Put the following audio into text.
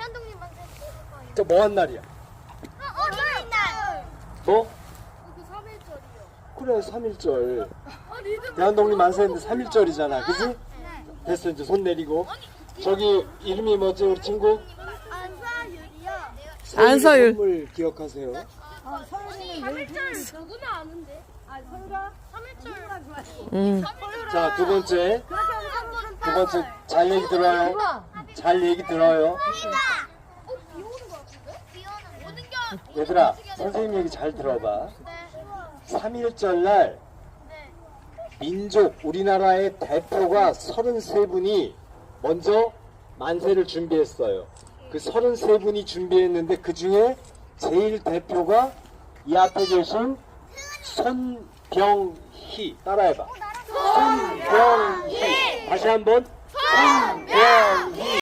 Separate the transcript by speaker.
Speaker 1: 대한독립 만세
Speaker 2: 저 뭐한 날이야?
Speaker 1: 어린이날.
Speaker 2: 뭐?
Speaker 1: 그 3일절이요.
Speaker 2: 그래 3.1절 대한독립 만세인데 3.1절이잖아 그지? 됐어 이제 손 내리고 저기 이름이 뭐지 우리 친구?
Speaker 1: 안사율이요.
Speaker 3: 안서율.
Speaker 2: 선물 기억하세요.
Speaker 1: 3일절 누구나 아는데. 아, 설가? 3일절.
Speaker 2: 자 두 번째 잘 얘기 들어요. 잘 얘기 들어요.
Speaker 1: 비 오는 거 같은데? 비 오는 거.
Speaker 2: 얘들아 선생님 얘기 잘 들어봐. 3.1절 날 민족 우리나라의 대표가 33분이 먼저 만세를 준비했어요. 그 33분이 준비했는데 그 중에 제일 대표가 이 앞에 계신 손병희 따라해봐. 손병희 다시 한번 손병희